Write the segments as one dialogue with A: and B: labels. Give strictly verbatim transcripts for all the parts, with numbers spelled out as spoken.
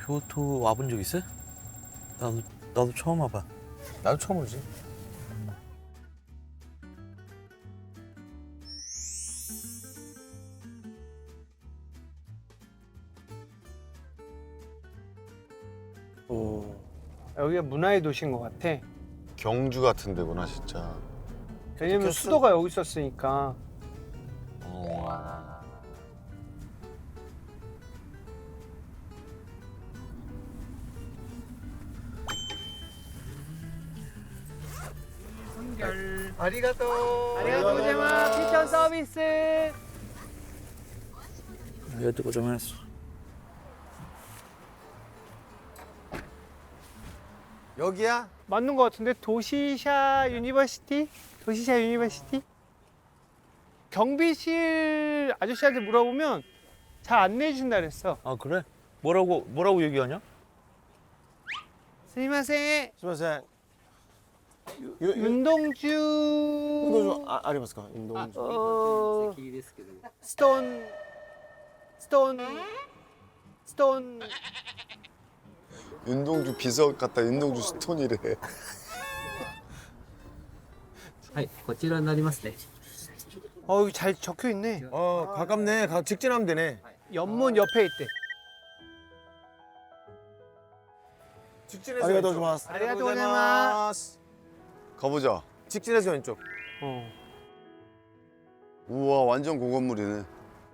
A: 교토 와본 적 있어요? 나도 나도 처음 와봐.
B: 나도 처음 오지.
C: 오. 여기가 문화의 도시인 것 같아.
D: 경주 같은 데구나 진짜.
C: 왜냐면
B: 느꼈어?
C: 수도가 여기 있었으니까.
D: 어.
B: 아리가또.
C: 아리가또 고자이마스. 피천 서비스.
A: 여태 고생했어.
B: 여기야?
C: 맞는 것 같은데 도시샤 유니버시티? 도시샤 유니버시티? 경비실 아저씨한테 물어보면 잘 안내해 준다 그랬어.
A: 아 그래? 뭐라고 뭐라고 얘기하냐?
C: 스미마셍.
B: 수고하세요.
C: 윤동주.
B: 운동 좀 아, 아리마스까? 운동.
C: 아, 어, 스톤 스톤 스톤
D: 윤동주 비석 같다. 윤동주 스톤이래.
E: はい、こちらになりますね。
C: 어 여기 잘 적혀 있네.
B: 어, 가깝네. 가 직진하면 되네.
C: 연문 옆에 있대.
B: 직진해서 아리가또 고자이마스.
C: 아리가또 고자이마스.
D: 가보자.
B: 직진해서 왼쪽.
C: 어.
D: 우와 완전 고건물이네.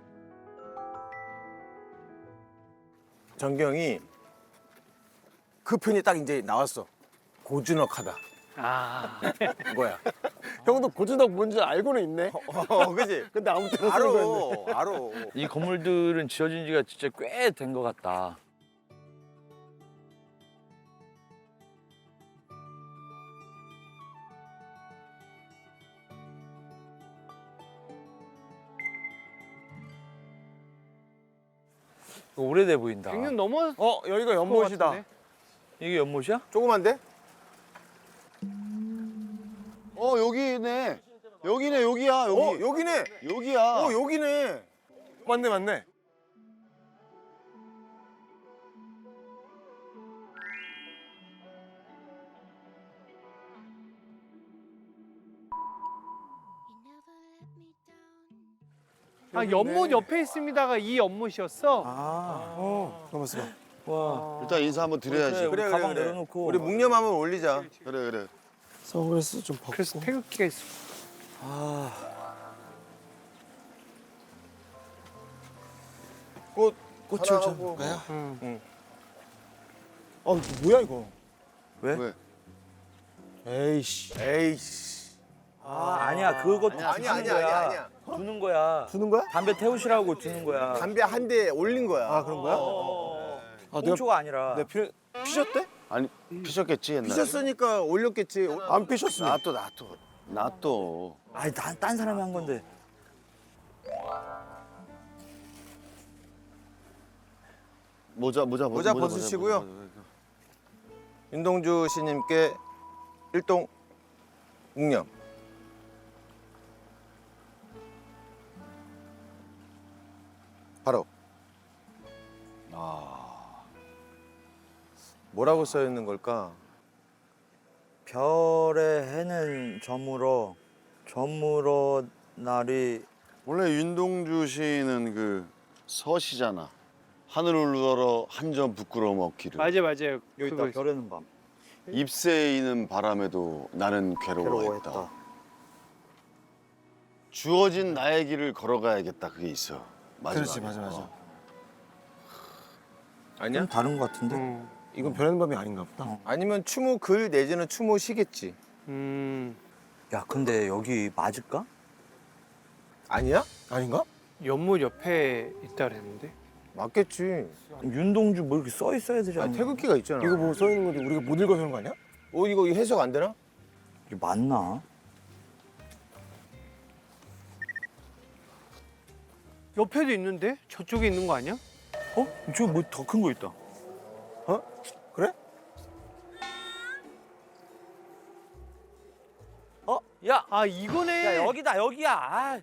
B: 전경이 그 편이 딱 이제 나왔어. 고즈넉하다.
C: 아.
B: 이거야.
F: 형도 고즈넉 뭔지 알고는 있네.
B: 어, 그지?
F: 근데 아무 때나
B: 알아,
F: 쓰는 거였네.
B: 알아.
A: 이 건물들은 지어진 지가 진짜 꽤 된 것 같다. 오래돼 보인다.
C: 백 년 넘었.
B: 어, 여기가 연못이다.
A: 이게 연못이야?
B: 조그만데?
D: 어 여기네. 여기네 여기야 여기.
B: 어, 여기네.
D: 여기야.
B: 어, 여기네. 맞네, 맞네.
C: 아 연못 옆에 있습니다가 이 연못이었어.
B: 아, 어, 가만있어 봐.
A: 와.
D: 일단 인사 한번 드려야지.
A: 그래, 우리 가방 내려놓고.
B: 우리 묵념 한번 올리자.
D: 그래 그래.
F: 선글라스 좀 벗고.
C: 그래서 태극기가 있어.
A: 아.
B: 꽃,
F: 꽃을
B: 사랑하고.
F: 좀 가요?
C: 응.
F: 아 이거 뭐야 이거?
A: 왜?
D: 왜?
F: 에이씨.
B: 에이씨.
A: 아 아니야 그것도
B: 아니야,
A: 주는
B: 아니야,
A: 거야.
B: 아니야, 아니야.
A: 주는 거야.
F: 주는 거야?
A: 담배 태우시라고 주는 거야.
B: 담배 한 대 올린 거야.
F: 아 그런 거야?
A: 어.
F: 아 내가
A: 꽁초가 아니라.
F: 내가 피, 피셨대?
D: 아니 피셨겠지 옛날에.
B: 피셨으니까 올렸겠지.
F: 안 피셨으면.
D: 나또 나또 나또.
A: 아니 난 딴 사람이 한 건데.
D: 모자 모자
B: 모자 벗으시고요. 윤동주 씨님께 일동 묵념. 바로.
D: 아
B: 뭐라고 써 있는 걸까?
A: 별의 해는 저물어 저물어 날이
D: 원래 윤동주 시인은 그 서시잖아. 하늘을 우러러 한 점 부끄러움 없기를.
C: 맞아 맞아요.
A: 여기
C: 그거
A: 있다
C: 있어.
A: 별에는 밤.
D: 잎새에 이는 바람에도 나는 괴로워했다.
A: 괴로워했다.
D: 주어진 나의 길을 걸어가야겠다. 그게 있어. 마지막에.
F: 그렇지 맞아 맞아.
D: 어.
B: 아니야?
A: 좀 다른 것 같은데.
C: 응.
F: 이건 변하는 밤이 아닌가 보다.
B: 아니면 추모 글 내지는 추모 시겠지.
C: 음.
A: 야 근데 여기 맞을까?
B: 아니야?
F: 아닌가?
C: 연못 옆에 있다 그랬는데.
B: 맞겠지.
A: 윤동주 뭐 이렇게 써 있어야 되지
B: 아,
A: 않나?
B: 태극기가 있잖아.
F: 이거 뭐 써 있는 건데 우리가 못 읽어서 그런 거 아니야?
B: 어, 이거 해석 안 되나?
A: 이게 맞나?
C: 옆에도 있는데? 저쪽에 있는 거 아니야?
A: 어? 저 뭐 더 큰 거 있다.
F: 어? 그래?
A: 어? 야!
C: 아 이거네.
A: 야 여기다 여기야. 아.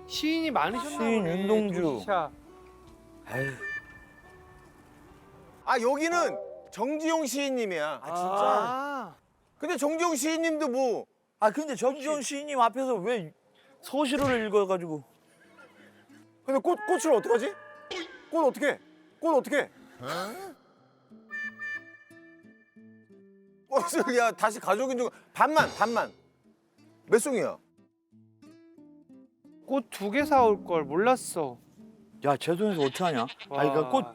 C: 시인이 많으셨나
G: 시인
C: 보네.
G: 윤동주.
C: 도시샤.
A: 에휴.
B: 아 여기는 정지용 시인님이야.
F: 아 진짜?
C: 아,
B: 근데 정지용 시인님도 뭐
G: 아 근데 정지훈 시인님 앞에서 왜 서시를 읽어가지고.
F: 근데 꽃 꽃을 어떡하지? 꽃 어떻게? 꽃 어떻게?
B: 꽃을 야 다시 가져오긴 좀 반만 반만 몇 송이야?
C: 꽃 두 개 사올 걸 몰랐어.
G: 야 제 돈에서 어떻게 하냐? 아 그러니까 꽃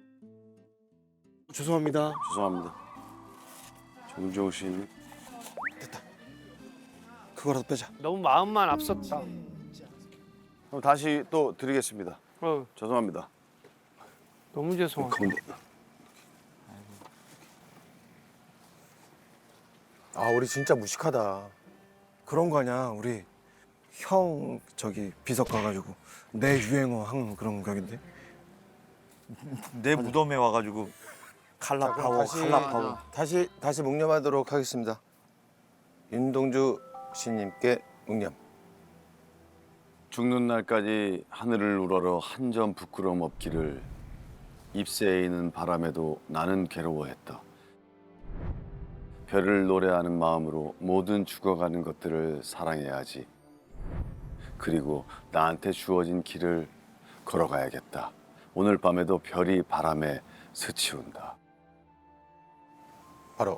F: 죄송합니다.
D: 죄송합니다. 정지용 시인님.
F: 그거라도 빼자.
C: 너무 마음만 앞섰다.
D: 그럼 다시 또 드리겠습니다.
C: 어,
D: 죄송합니다.
C: 너무 죄송하다.
D: 그럼
B: 아 우리 진짜 무식하다.
F: 그런 거 아니야. 우리 형 저기 비석 가가지고 내 유행어 한 그런 격인데.
G: 내 무덤에 와가지고 칼라 파워,
B: 다시
G: 칼라 파워.
B: 다시 다시 묵념하도록 하겠습니다. 윤동주 시인님께 묵념.
D: 죽는 날까지 하늘을 우러러 한 점 부끄러움 없기를 잎새이는 바람에도 나는 괴로워했다. 별을 노래하는 마음으로 모든 죽어가는 것들을 사랑해야지. 그리고 나한테 주어진 길을 걸어가야겠다. 오늘 밤에도 별이 바람에 스치운다.
B: 바로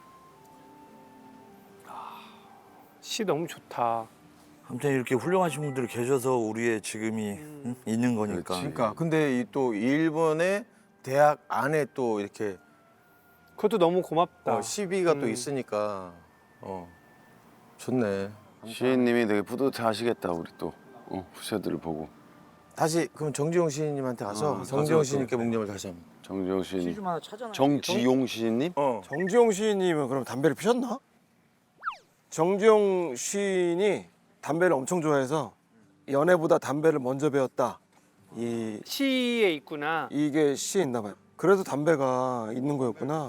C: 시 너무 좋다.
G: 아무튼 이렇게 훌륭하신 분들이 계셔서 우리의 지금이 응? 있는 거니까.
B: 그러니까 근데 이 또 일본의 대학 안에 또 이렇게
C: 그것도 너무 고맙다.
B: 어, 시비가 또
C: 음.
B: 있으니까 어 좋네.
D: 시인님이 되게 뿌듯해하시겠다. 우리 또 어, 후세들을 보고.
B: 다시 그럼 정지용 시인님한테 가서
D: 아,
B: 정지용
D: 가서
B: 시인님께 묵념을 다시 한번.
D: 정지용 시인님.
G: 시좀 하나 찾아놔.
D: 정지용 시인님?
B: 어.
F: 정지용 시인님은 그럼 담배를 피셨나? 정지용 시인이 담배를 엄청 좋아해서 연애보다 담배를 먼저 배웠다. 이
C: 시에 있구나.
F: 이게 시에 있나 봐요. 그래서 담배가 있는 거였구나.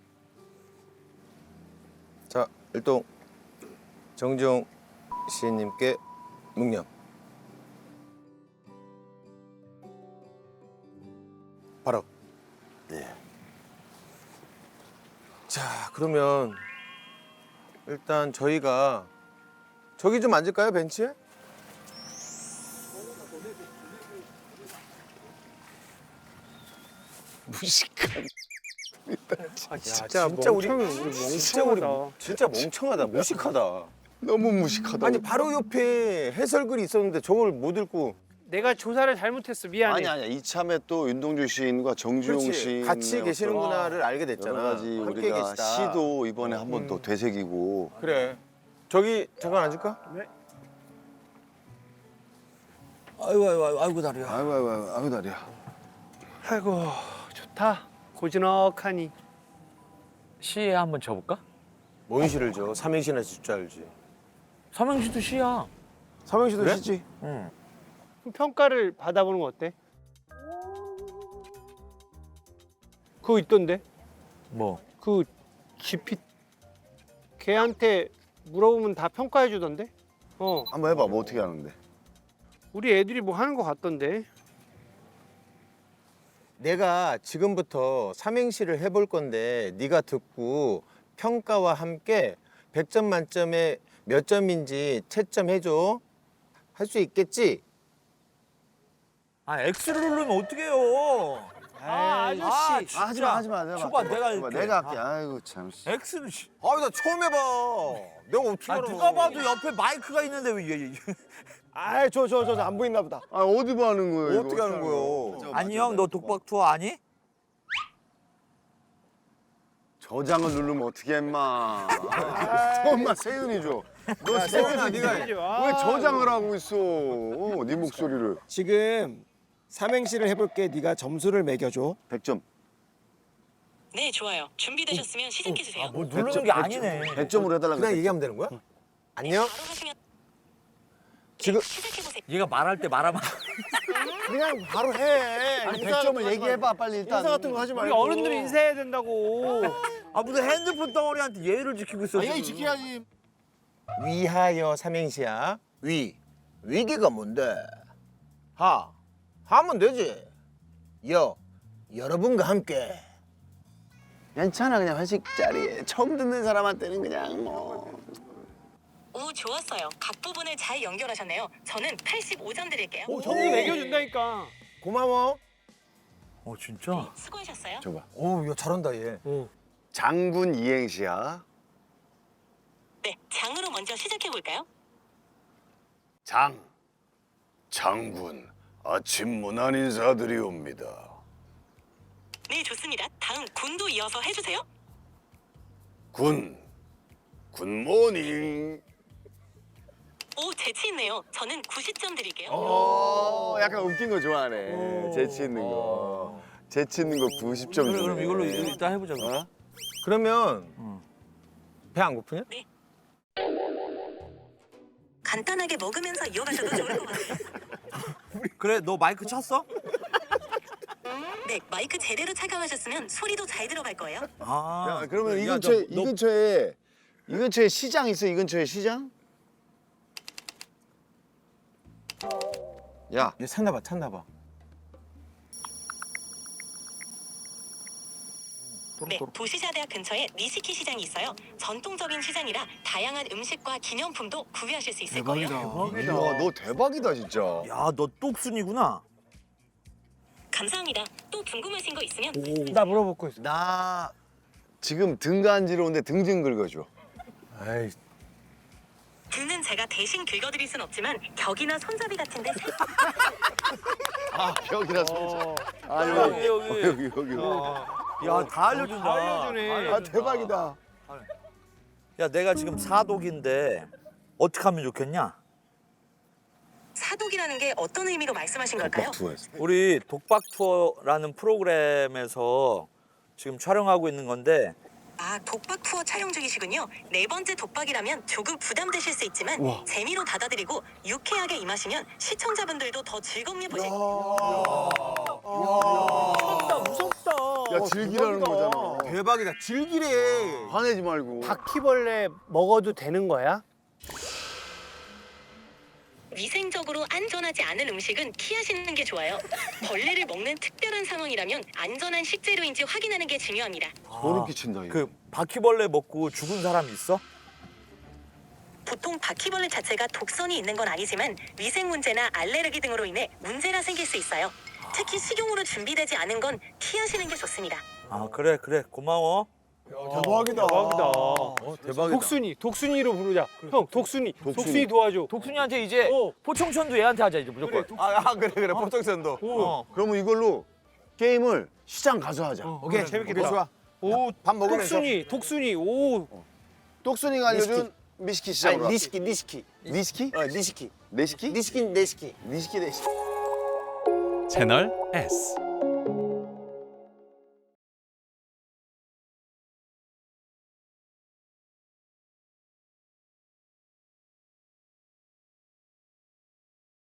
B: 자 일동 정지용 시인님께 묵념. 바로.
D: 예.
B: 자 그러면 일단 저희가 저기 좀 앉을까요 벤치에? 무식한.
C: 아, 진짜,
B: 진짜 우리
C: 멍청,
B: 진짜 우리
C: 멍청하다.
B: 진짜 멍청하다 무식하다.
D: 너무 무식하다.
B: 아니 바로 옆에 해설글이 있었는데 저걸 못 읽고.
C: 내가 조사를 잘못했어. 미안해.
D: 아니 아니야. 이참에 또 윤동주 시인과 정주용
B: 그렇지.
D: 시인
B: 같이 계시는구나를 알게 됐잖아.
D: 여러 가지
B: 함께
D: 우리가
B: 계시다.
D: 시도 이번에 한 번 또 되새기고.
B: 그래. 저기 잠깐 앉을까?
G: 아이고 아이고 아이고 다리야.
D: 아이고 아이고 아이고, 아이고 다리야.
C: 아이고 좋다. 고즈넉하니.
G: 시에 한번 쳐볼까?
B: 뭔 시를 줘? 삼행시나 줄 줄 알지.
G: 삼행시도 시야.
F: 삼행시도
B: 그래?
F: 시지.
G: 응.
C: 그럼 평가를 받아보는 거 어때? 그거 있던데?
G: 뭐?
C: 그 지피 걔한테 물어보면 다 평가해 주던데? 어,
D: 한번 해봐. 뭐 어떻게 하는데?
C: 우리 애들이 뭐 하는 거 같던데?
B: 내가 지금부터 삼행시를 해볼 건데 네가 듣고 평가와 함께 백 점 만점에 몇 점인지 채점해줘. 할 수 있겠지?
G: 아 X를 누르면 어떡해요?
C: 아, 아저씨.
G: 아,
D: 하지 마, 하지 마. 내가
G: 줘봐,
D: 할게.
G: 내가
D: 줘봐,
G: 할게.
D: 내가 할게. 아이고 참.
G: X는 씨.
B: 아나 처음 해봐. 내가 어떻게
G: 아
B: 알아?
G: 누가 봐도 옆에 마이크가 있는데 왜 이게?
F: 아, 저 저 저 안 보이나 보다.
D: 아 어디 봐 하는 거예요?
B: 어떻게 하는 거요?
G: 아니 형 너 독박 투어 아니?
D: 저장을 누르면 어떻게 했마? 엄마 세윤이 줘. 너 세윤아 네가 해.
C: 아,
D: 왜 저장을 하고 있어? 어, 네 목소리를.
F: 지금 삼행시를 해볼게. 네가 점수를 매겨줘.
D: 백 점.
H: 네, 좋아요. 준비되셨으면 시작해 주세요.
G: 뭐 누르는 게 아니네.
D: 백 점으로 해달라고.
B: 그냥 얘기하면 되는 거야? 안녕?
H: 바로 하시면
B: 지금
H: 시작해 보세요.
G: 얘가 말할 때 말하면
F: 그냥 바로 해.
D: 아니 백 점을 얘기해봐 빨리 일단.
F: 인사 같은 거 하지
C: 우리
F: 말고.
C: 어른들이 인사해야 된다고.
G: 아 무슨 핸드폰 덩어리한테 예의를 지키고 있어. 지금.
F: 지켜야지.
B: 위하여 삼행시야. 위. 위기가 뭔데? 하. 하면 되지. 여. 여러분과 함께.
I: 괜찮아 그냥 회식 자리에 처음 듣는 사람한테는 그냥 뭐.
H: 오, 좋았어요. 각 부분을 잘 연결하셨네요. 저는 팔십오 점 드릴게요.
C: 오, 정리 매겨준다니까.
B: 고마워.
G: 어 진짜?
H: 수고하셨어요.
D: 줘봐.
B: 오, 야 잘한다 얘.
D: 장군 이행시야.
H: 네, 장으로 먼저 시작해 볼까요?
D: 장. 장군. 아침 문안 인사드리 옵니다.
H: 네, 좋습니다. 다음 군도 이어서 해주세요.
D: 군. 굿모닝.
H: 오, 재치 있네요. 저는 구십 점 드릴게요.
I: 어, 약간 웃긴 거 좋아하네. 재치 있는 거. 재치 있는 거 구십 점
G: 그래,
I: 주네.
G: 그럼 이걸로 이거 이따 해보자. 그럼.
I: 어?
B: 그러면 배 안 고프냐?
H: 간단하게 먹으면서 이어가셔도 좋을 것 같아요.
G: 그래 너 마이크 쳤어?
H: 네, 마이크 제대로 착용하셨으면 소리도 잘 들어갈 거예요.
G: 아
I: 야, 그러면 이
G: 야,
I: 근처에
G: 너-
I: 이 근처에 이 근처에 시장 있어? 이 근처에 시장? 야,
B: 얘 찾나 봐, 찾나 봐.
H: 네, 도시샤대학 근처에 니시키 시장이 있어요. 전통적인 시장이라 다양한 음식과 기념품도 구매하실 수 있을 거예요.
I: 이야, 너 대박이다 진짜.
G: 야, 너 똑순이구나.
H: 감사합니다. 또 궁금하신 거 있으면
C: 나 물어볼 거 있어.
I: 나 지금 등 간지러운데 등 좀 긁어줘.
B: 아이,
H: 등은 제가 대신 긁어드릴 순 없지만 벽이나 손잡이 같은데 살-
I: 아, 벽이라 손. 아,
G: 여기
I: 여기
G: 여기.
I: 여기 여기.
G: 야, 다 알려준다.
C: 다 알려주네.
I: 아, 대박이다.
G: 야, 내가 지금 사독인데 어떻게 하면 좋겠냐?
H: 사독이라는 게 어떤 의미로 말씀하신 걸까요?
I: 투어였어.
G: 우리 독박 투어라는 프로그램에서 지금 촬영하고 있는 건데
H: 아, 독박 투어 촬영 중이시군요. 네 번째 독박이라면 조금 부담되실 수 있지만 재미로 받아들이고 유쾌하게 임하시면 시청자분들도 더 즐겁게 보실
C: 무섭다.
I: 야, 즐기라는 거잖아.
B: 대박이다. 즐기래.
I: 화내지 말고.
C: 바퀴벌레 먹어도 되는 거야?
H: 위생적으로 안전하지 않은 음식은 피하시는 게 좋아요. 벌레를 먹는 특별한 상황이라면 안전한 식재료인지 확인하는 게 중요합니다.
I: 소름 끼친다 이거.
G: 그 바퀴벌레 먹고 죽은 사람 있어?
H: 보통 바퀴벌레 자체가 독성이 있는 건 아니지만 위생 문제나 알레르기 등으로 인해 문제가 생길 수 있어요. 특히 식용으로 준비되지 않은 건 피하시는 게 좋습니다.
G: 아, 그래 그래 고마워.
B: 대박이다.
C: 대박이다.
B: 어, 대박이다.
C: 독순이, 독순이로 부르자. 형, 독순이, 독순이,
I: 독순이.
C: 도와줘.
G: 독순이한테 이제
C: 어.
G: 포청천도 얘한테 하자 이제 무조건.
B: 아, 아, 그래 그래. 포통선도.
G: 어.
I: 그러면 이걸로 게임을 시장 가서 하자.
B: 오케이, 재밌겠다. 좋아.
C: 오,
B: 밥 먹으면서.
C: 독순이, 독순이. 오,
I: 똑순이가 알려준 미스키 시장으로.
B: 아니, 니시키, 니시키.
I: 니스키?
B: 어, 니시키.
I: 네시키?
B: 니시키, 니시키.
I: 니시키 네시키.
A: 채널 S.